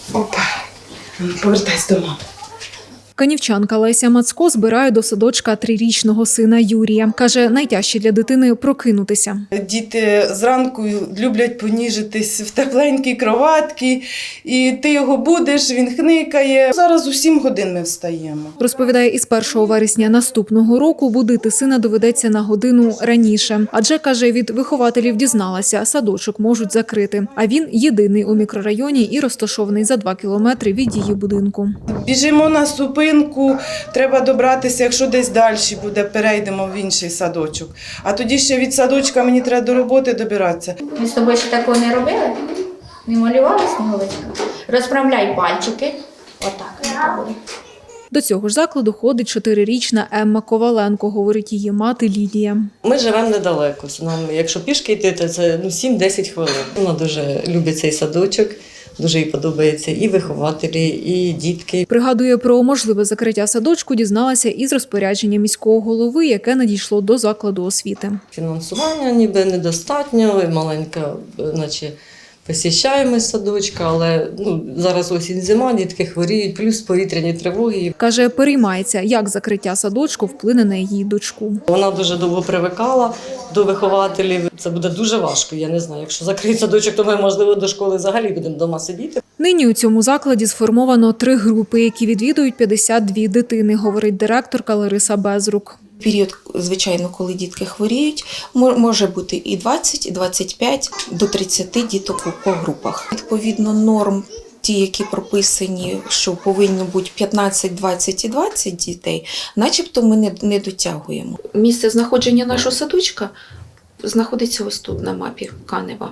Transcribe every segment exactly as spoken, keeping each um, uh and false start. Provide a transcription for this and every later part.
Опа, повертайся до мами. Канівчанка Леся Мацко збирає до садочка трирічного сина Юрія. Каже, найтяжче для дитини – прокинутися. Діти зранку люблять поніжитись в тепленькій кроватці, і ти його будеш, він хникає. Зараз у сім годин ми встаємо. Розповідає, із першого вересня наступного року будити сина доведеться на годину раніше. Адже, каже, від вихователів дізналася, садочок можуть закрити. А він єдиний у мікрорайоні і розташований за два кілометри від її будинку. Біжимо на зупинку, треба добратися, якщо десь далі буде, перейдемо в інший садочок. А тоді ще від садочка мені треба до роботи добиратися. Ми з тобою ще такого не робили? Не малювали сніговичка? Розправляй пальчики. Отак. До цього ж закладу ходить чотирирічна Емма Коваленко, говорить її мати Лідія. Ми живемо недалеко. Нам, якщо пішки йти, то це ну, сім-десять хвилин. Вона дуже любить цей садочок. Дуже їй подобається і вихователі, і дітки. Пригадує, про можливе закриття садочку дізналася із розпорядження міського голови, яке надійшло до закладу освіти. Фінансування ніби недостатньо, маленька, наче посіщаємо садочка, але ну, зараз осінь-зима, дітки хворіють, плюс повітряні тривоги. Каже, переймається, як закриття садочку вплине на її дочку. Вона дуже довго привикала до вихователів. Це буде дуже важко, я не знаю. Якщо закриють садочок, то ми, можливо, до школи взагалі будемо вдома сидіти. Нині у цьому закладі сформовано три групи, які відвідують п'ятдесят дві дитини, говорить директорка Лариса Безрук. Період, звичайно, коли дітки хворіють, може бути і двадцять, і двадцять п'ять, до тридцяти діток по групах. Відповідно, норм, ті, які прописані, що повинно бути п'ятнадцять, двадцять і двадцять дітей, начебто ми не, не дотягуємо. Місце знаходження нашого садочка знаходиться ось тут на мапі Канева.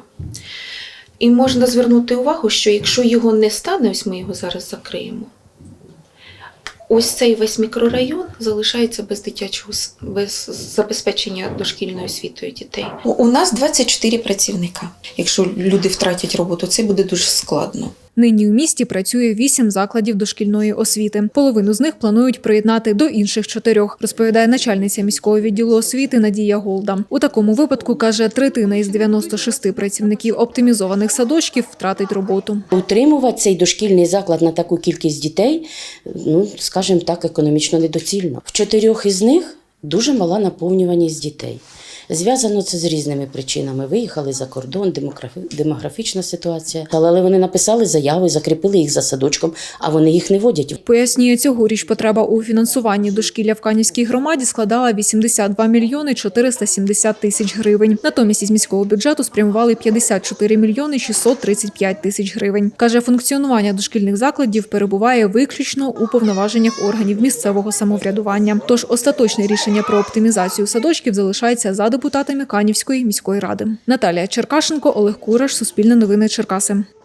І можна звернути увагу, що якщо його не стане, ось ми його зараз закриємо, ось цей весь мікрорайон залишається без дитячого, без забезпечення дошкільною освітою дітей. У нас двадцять чотири працівника. Якщо люди втратять роботу, це буде дуже складно. Нині у місті працює вісім закладів дошкільної освіти. Половину з них планують приєднати до інших чотирьох, розповідає начальниця міського відділу освіти Надія Голда. У такому випадку, каже, третина із дев'яноста шести працівників оптимізованих садочків втратить роботу. Утримувати цей дошкільний заклад на таку кількість дітей, ну, скажімо так, економічно недоцільно. В чотирьох із них дуже мала наповнюваність дітей. Зв'язано це з різними причинами. Виїхали за кордон, демографічна ситуація. Але вони написали заяви, закріпили їх за садочком, а вони їх не водять. Пояснює, цьогоріч потреба у фінансуванні дошкілля в Канівській громаді складала вісімдесят два мільйони чотириста сімдесят тисяч гривень. Натомість із міського бюджету спрямували п'ятдесят чотири мільйони шістсот тридцять п'ять тисяч гривень. Каже, функціонування дошкільних закладів перебуває виключно у повноваженнях органів місцевого самоврядування. Тож остаточне рішення про оптимізацію садочків залишається за депутатами Канівської міської ради. Наталія Черкашенко, Олег Кураш, Суспільне новини, Черкаси.